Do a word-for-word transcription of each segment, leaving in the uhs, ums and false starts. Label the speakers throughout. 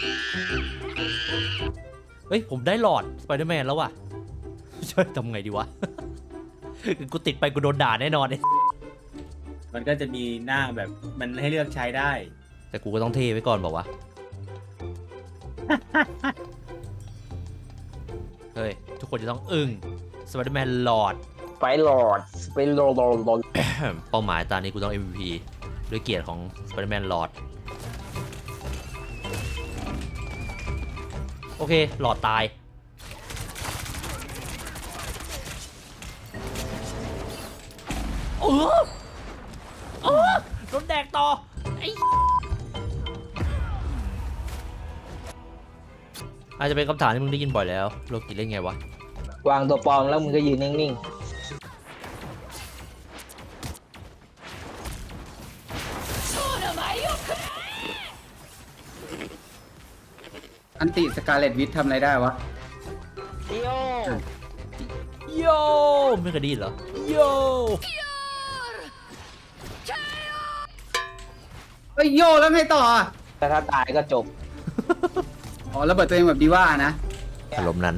Speaker 1: เฮ้ยผมได้หลอดสไปเดอร์แมนแล้วว่ะช่วยทำไงดีวะ กูติดไปกูโดนด่าแน่นอนเลย
Speaker 2: มันก็จะมีหน้าแบบมันให้เลือกใช้ได้
Speaker 1: แต่กูก็ต้องเทไว้ก่อนบอกว่า เฮ้ยทุกคนจะต้องอึ้งสไปเดอร์แมนหลอด
Speaker 3: ไปหลอดไปโลโลโล
Speaker 1: เป้าหมายตอนนี้กูต้อง เอ็ม วี พี ด้วยเกียรติของสไปเดอร์แมนหลอดโอเคหลอดตายเออเออโดนแดกต่อไอ้อาจจะเป็นคำถามที่มึงได้ยินบ่อยแล้วโลกิเล่นไงวะ
Speaker 3: วางตัวปลอมแล้วมึงก็ยืนนิ่ง
Speaker 4: อันติสกาเลตวิททำอะไรได้วะ
Speaker 3: ๆโย
Speaker 1: โยไม่เคยได้ยินเหรอโย
Speaker 4: เฮ้ยโยแล้วไงต่ออ่ะ
Speaker 3: แต่ถ้าตายก็จบ
Speaker 4: อ๋อระเบิดตัวเองแบบดีว่านะ
Speaker 1: อารมณ์นั้น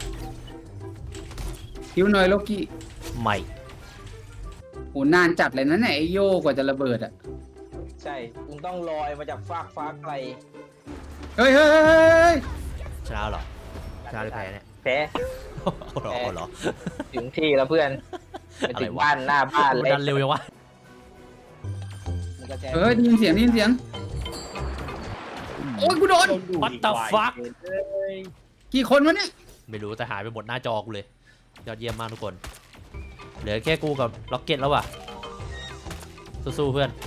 Speaker 4: คิวหน่อยโลกิ
Speaker 1: ไม่
Speaker 4: โหนานจัดเลยนะเนี่ยไอโยกว่าจะระเบิดอ่ะ
Speaker 3: ใช่คุณต้องลอยมาจากฟากฟ้าไกล
Speaker 4: เฮ้ยเฮ้ยเฮ้ยเฮ้ย
Speaker 1: ชนะเหรอชนะหรือแพ้เนี่ย
Speaker 3: แพ้
Speaker 1: เอาเหรอเอาเหรอ
Speaker 3: ถึงที่แล้วเพื่อนไปถึงบ้านหน้าบ้านเลย
Speaker 1: ดันเร็วยังวะ
Speaker 3: มันก็แจ้ง
Speaker 4: เฮ้ยได้ยินเสียงได้ยินเสียงโอ้ยกูโดน
Speaker 1: What the fuck
Speaker 4: กี่คนวะเนี่ย
Speaker 1: ไม่รู้แต่หายไปหมดหน้าจอกูเลยยอดเยี่ยมมากทุกคนเหลือแค่กูกับล็อกเก็ตแล้วว่ะสู้ๆเพื่อน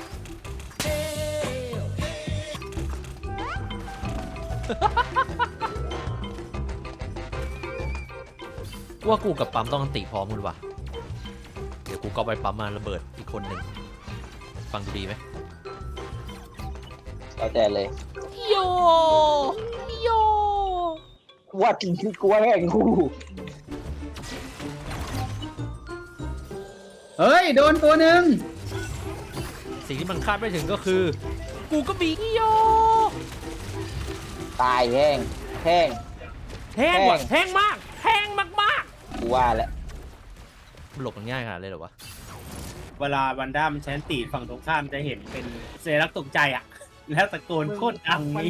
Speaker 1: ว่ากูกับปั๊มต้องอันติพร้อมกันว่ะเดี๋ยวกูก็ไปปั๊มมาระเบิดอีกคนหนึ่งฟังดูดีไหม
Speaker 3: แล้วแต่เลย
Speaker 1: โยโย
Speaker 3: ว่าจริงที่กูว่าแห่งกู
Speaker 4: เฮ้ยโดนตัวหนึ่ง
Speaker 1: สิ่งที่มันคาดไม่ถึงก็คือกูก็บีโย
Speaker 3: ตายแห้งแห้ง
Speaker 1: แห้งว่ะ
Speaker 3: แห้ง
Speaker 1: แห้งมากแห้งมาก
Speaker 3: กูว่าแล้ว
Speaker 1: ๆมันหลบมันง่ายขนาดเลยเหรอวะ
Speaker 2: เวลาวันด้ามันใช้อันตีฝั่งตรงข้ามจะเห็นเป็นเซรักตกใจอ่ะ แล้วตะโกนโคตรดังนี้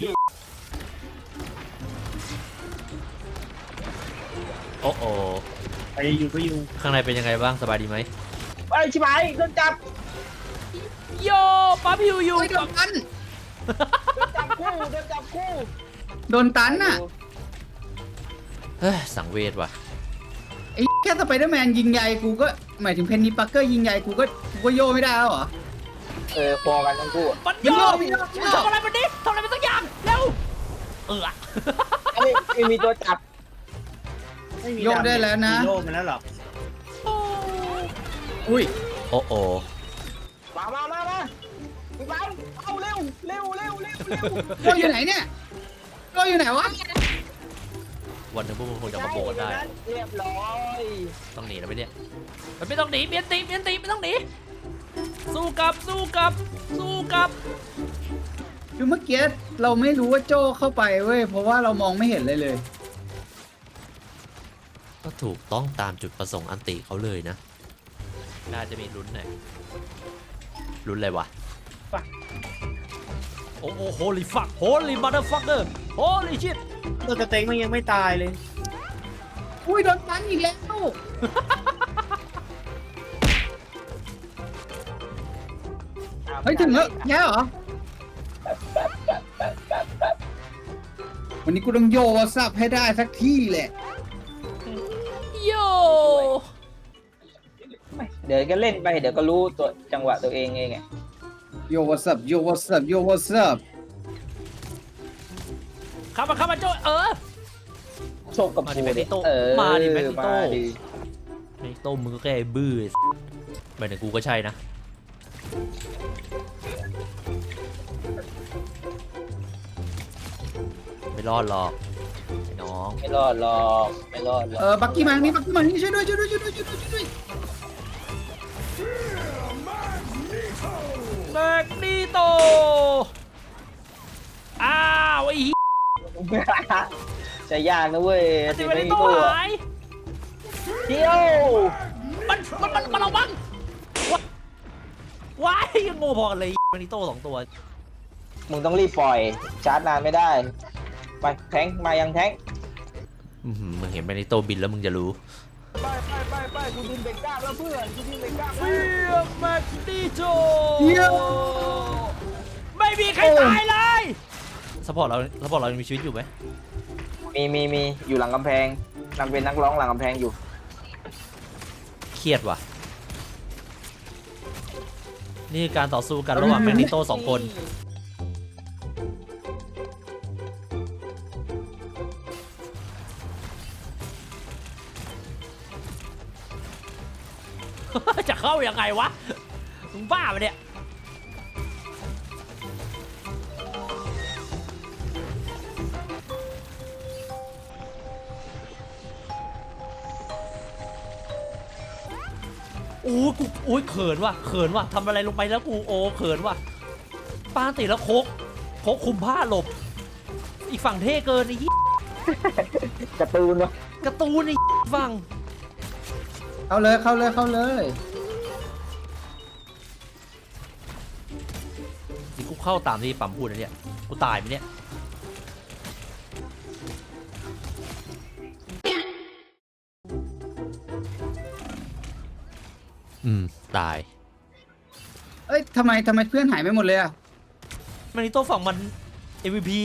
Speaker 1: โอ้โอ
Speaker 2: ไปอยู่ก็อยู่
Speaker 1: ข้างในเป็นยังไงบ้างสบายดีไหม
Speaker 3: ไอ้ชิบหายโดนจับ
Speaker 1: โยป้าพิวอยู่
Speaker 4: เฮ้ยโดนตัน
Speaker 3: โดนจับคู่โดนจับคู่
Speaker 4: โดนตันน่ะ
Speaker 1: เฮ้ยสังเวชว่ะ
Speaker 4: ไอ้แค่สไปเดอร์แมนยิงใหญ่กูก็หมายถึงเพนนีปักเกอร์ยิงใหญ่กูก็กูก็โยไม่ได้แล้วเหรอ
Speaker 3: เออพอกันทั้งคู่
Speaker 1: มันโย
Speaker 4: มันโยมันโย
Speaker 1: ทำอะไรมันดิทำอะไรมันสักอย่างเร็วเออ
Speaker 3: ไอ้ไม่มีตัวจับ
Speaker 2: ไม่มี
Speaker 4: โยกได้แล้วนะ
Speaker 2: มีโยกมาแล้วหรอ
Speaker 4: อุ้ย
Speaker 1: โอ้โอ
Speaker 3: มามามามาพี่บังเอาเร็วเร็วเร็วเร็วเร็ว
Speaker 4: โยอยู่ไหนเนี่ยโยอยู่ไหนวะ
Speaker 1: วันหนึงพวกมึงคงจะมาโบกันได้
Speaker 3: เรียบร้อย
Speaker 1: ต้องหนีแล้วไหมเนี่ยมันไม่ต้องหนีเมียนตีเมียนตีไม่ต้องหนีสู้กลับสู้กลับสู้กลับ
Speaker 4: คือเมื่อกี้เราไม่รู้ว่าโจเข้าไปเว้ยเพราะว่าเรามองไม่เห็นเลยเลย
Speaker 1: ก็ถูกต้องตามจุดประสงค์อันติเขาเลยนะน่าจะมีลุ้นหน่อยลุ้นอะไรวะโอ้โห holy fuck holy motherfucker holy shit
Speaker 2: ตัวกระเต็งมันยังไม่ตายเลย
Speaker 4: อุ้ยโดนตันอีกแล้ว เฮ้ยถึงแล้วแย่เหรอ วันนี้กูต้องโยวาซับให้ได้สักที่แหละ
Speaker 1: โย
Speaker 3: เดี๋ยวก็เล่นไปเดี๋ยวก็รู้ตัวจังหวะตัวเองเองไง
Speaker 4: โยวาซับโยวาซับโยวาซับ
Speaker 1: เข้ามาเข้ามาโจเออ
Speaker 3: โชคกับ
Speaker 1: มาดิ
Speaker 3: กู
Speaker 1: แมกนิ
Speaker 3: ดิ
Speaker 1: โต้
Speaker 3: เออ
Speaker 1: มาดิแมกนิโต้
Speaker 3: มาดิ
Speaker 1: ไอ้โต้มึงก็แค่ไอ้บื้อหมายถึงกูก็ใช่นะไม่รอดหรอกไอ้น้อง
Speaker 3: ไม่รอดหรอกไม่รอดหรอก
Speaker 4: เออบักกี้มานี่บักกี้มานี่ช่วยด้วยช่วยด้วยช่วยด้วยช่วยด้วยช่วยด้วย
Speaker 1: แมกนิโตอ้าวไอ้
Speaker 3: ใช้ยากนะเว้ย
Speaker 1: อันติเมนิโต้หาย
Speaker 3: เที่ยว
Speaker 1: มันมันมันมันระวังว้าว้ายยังโง่พอกันเลยเมนิโต้สองตัว
Speaker 3: มึงต้องรีบปล่อยชาร์จนานไม่ได้ไปแทงมายังแทง
Speaker 1: อื้อหือมึงเห็นเมนิโต้บินแล้วมึงจะรู้
Speaker 3: ไปไปไปไปกูดึงเบรกกล้ามแล้วเพื่อนกูดึงเบรกกล้าม
Speaker 1: เฟียแมกนิโต
Speaker 4: เหี้ย
Speaker 1: ไม่มีใครตายเลยสปอร์ตเราสปอร์ตเรายังมีชีวิตอยู่ไหม
Speaker 3: มีมีมีอยู่หลังกำแพงนักเป็นนักร้องหลังกำแพงอยู่
Speaker 1: เครียดว่ะนี่คือการต่อสู้กันระหว่างแมกนิโตสองคนจะเข้ายังไงวะมึงบ้าปะเนี่ยโอ้กูโอ้ยเขินว่ะเขินว่ะทำอะไรลงไปแล้วกูโอ้เขินว่ะปาติแล้วโคกโคกคุมผ้าหลบอีกฝั่งเท่เกินไอ้ยี่
Speaker 3: การ์ตูนเนาะ
Speaker 1: การ์ตูนไอ้ฝั่ง
Speaker 4: เข้าเลยเข้าเลยเข้าเลย
Speaker 1: นี่กูเข้าตามที่ปั๊มพูดนะเนี่ยกูตายไหมเนี่ยอืมตาย
Speaker 4: เอ้ยทำไมทำไมเพื่อนหายไปหมดเลยอ่ะ
Speaker 1: แมนิโต้ฝั่งมัน เอ็ม วี พี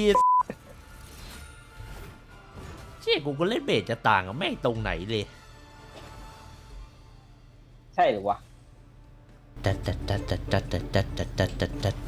Speaker 1: เชี่ยกูก็เล่นเบสจะต่างกับแม่งตรงไหนเลย
Speaker 3: ใช่หรือวะ
Speaker 1: ดัดดัดดัดดัดดัดดัดดัดดัดดัดดัด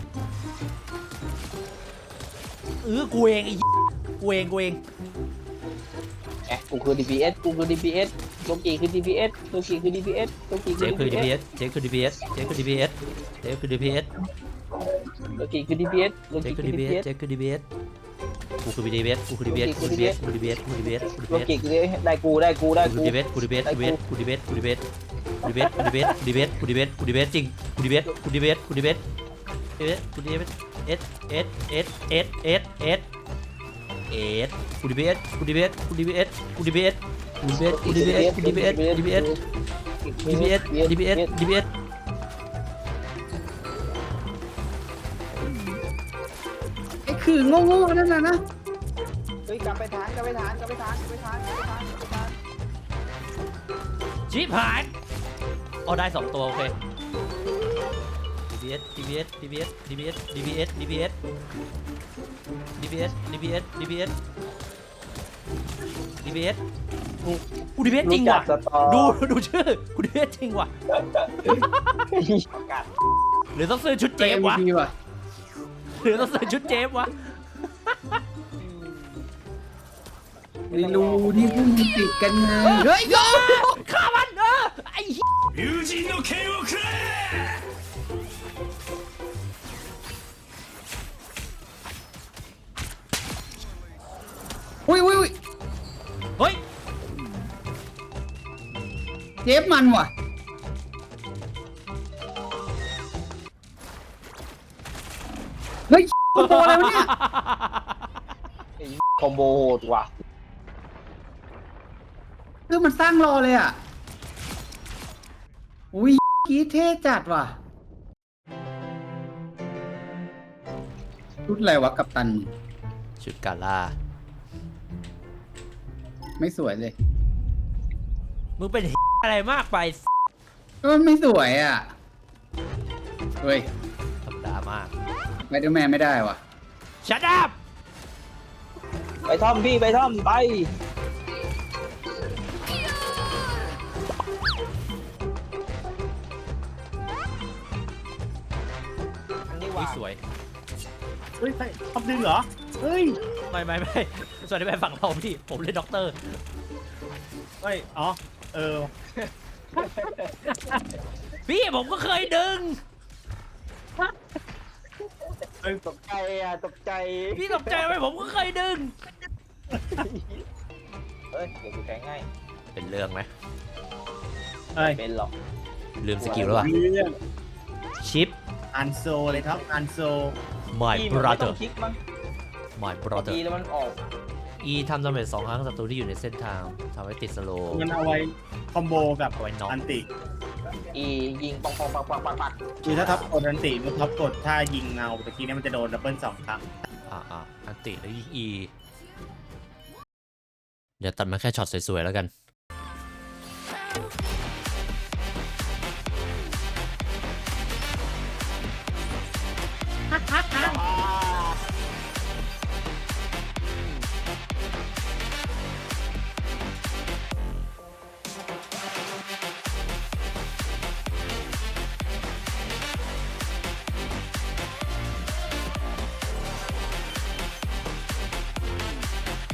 Speaker 1: เออกูเองไอ้กูเองกูเอง
Speaker 3: แอะกูคือ ดี พี เอส กูคือ ดี พี เอส โลกีคือ ดี พี เอส โลกีคือ ดี พี เอส โลกี
Speaker 1: เจ
Speaker 3: คือ
Speaker 1: ฟคือ
Speaker 3: ดี
Speaker 1: ดี
Speaker 3: พี
Speaker 1: พี
Speaker 3: เอ
Speaker 1: เอ
Speaker 3: ส
Speaker 1: สเจฟคือดีพีเอสเจฟคือดีพีเอสเจฟคือดีพีเอส
Speaker 3: โลกีคือ ดี พี เอส โล
Speaker 1: เจ
Speaker 3: กี
Speaker 1: ฟคื
Speaker 3: คือ อ
Speaker 1: ดี
Speaker 3: ดี
Speaker 1: พี
Speaker 3: พี
Speaker 1: เอ
Speaker 3: เอ
Speaker 1: ส
Speaker 3: ส
Speaker 1: เจฟคือดีพีเอสกูคือดีพีเอสกูคือดีพีเอสกูดีพีเอสกูดีพีเอสกูดีพีเอสกูดี
Speaker 3: โล
Speaker 1: พีเอส
Speaker 3: กีคือได้กูได้กูได้
Speaker 1: กู
Speaker 3: กู
Speaker 1: ดีพีเอสกูดีพีเอสกูดีพีเอสกูดีพีเอสกูดีพีเอสกูดีพีเอสกูดีพีเอสกูดีพีเอสกูดีพีเอสจริงกูดีพีเอสกูดีพีเอสกูดีพีเอสกูดีพีเอสเอสเอสเอสเอสเอสเอสเอสกูดีพีเอสกูดีพีเอสกูดีพีเอสกูดีพีเอสกูดีพีเอสกูดีพีเอสกูดีพีเอสกูดีพีเอส ดีพีเอส ดีพีเอส ดีพีเอส
Speaker 4: ไอ้คือโง่ๆนั่นน่ะนะ
Speaker 3: เฮ้ยกลับไปฐานกลับไปฐานกลับไปฐานกลับไปฐานกลับไปฐานกลับไปฐาน
Speaker 1: ชิบหายเอาได้สองตัวโอเค ดีพีเอส ดีพีเอส ดีพีเอส ดีพีเอส ดีพีเอส ดีพีเอส ดีพีเอส ดีพีเอส ดีพีเอส ดีพีเอสกูกูดีพีเอสจริงว่ะ ดูดูชื่อกูดีพีเอสจริงว่ะหรือต้องซื้อชุดเจ
Speaker 4: เจ
Speaker 1: ฟ
Speaker 4: ม
Speaker 1: วะ
Speaker 4: พีว่ะ
Speaker 1: หรือต้องซื้อชุดเจฟวะ
Speaker 4: ไม่รู้ที่พวกมึงติดกันไงเฮ้ยโย
Speaker 1: ฆ่ามันเออไอ้เหี้ย
Speaker 5: 友人の剣をくれ
Speaker 4: อุ้ยอุ้ยอุ้ย
Speaker 1: เฮ้ย
Speaker 4: เจฟมันว่ะเฮ้ยคอมโบอะไรวะเนี่ย
Speaker 3: คอมโบโหดว่ะ
Speaker 4: คือมันสร้างรอเลยอ่ะอุ้ยกีเท่จัดว่ะชุดอะไรวะกัปตัน
Speaker 1: ชุดกาล่า
Speaker 4: ไม่สวยเลย
Speaker 1: มึงเป็นอะไรมากไป
Speaker 4: ก็ไม่สวยอ่ะเฮ้ย
Speaker 1: ธรรมดามาก
Speaker 4: ไวเดอร์แมนไม่ได้ว่ะ
Speaker 1: ชัดอัพ
Speaker 3: ไปท่อมพี่ไปท่อมไปอันนี้
Speaker 1: อุ้
Speaker 3: ว่ะ
Speaker 1: ยสวย
Speaker 2: เฮ้ยใครทำดึงเหรอ เฮ้ย
Speaker 1: ไม่ไม่ไม่ส่วนที่เป็นฝั่งเราพี่ผมเล่นด็อกเตอร์
Speaker 2: เฮ้ย อ๋อ เออ
Speaker 1: พี่ผมก็เคยดึง
Speaker 2: เฮ้ย
Speaker 3: ตกใจอ่ะตกใจ
Speaker 1: พี่ตกใจไหมผมก็เคยดึง
Speaker 3: เอ้ยเดี๋ยวกูแทงให้
Speaker 1: เป็นเรื่องไหม
Speaker 2: เฮ้ย
Speaker 3: เป็นหรอก
Speaker 1: ลืมสกิลแล้วป่ะ
Speaker 2: เรื่อง
Speaker 1: ชิป
Speaker 2: อันโซเลยครับ อันโซ
Speaker 1: my
Speaker 3: พี่มันไม่ต้อ
Speaker 1: brother
Speaker 3: งคลิกมั้ง
Speaker 1: my
Speaker 3: อี
Speaker 1: brother
Speaker 3: แล้วมันออก
Speaker 1: E ทำดาเมจสองครั้งศัตรูที่อยู่ในเส้นทางทำให้ติดสโลว์
Speaker 2: มันเอาไว้คอมโบกับ
Speaker 1: เอาไว้น็อก
Speaker 2: อันติ
Speaker 3: อียิงปังปังปังปังปังปัง
Speaker 2: คือถ้าท็อปกดอันติมันท็อปกดถ้ายิงเงาตะกี้เนี่ยมันจะโดนดับเบิลสองครั้ง
Speaker 1: อ่าอ่าอันติแล้วยิง E เดี๋ยวตัดมาแค่ช็อตสวยๆแล้วกัน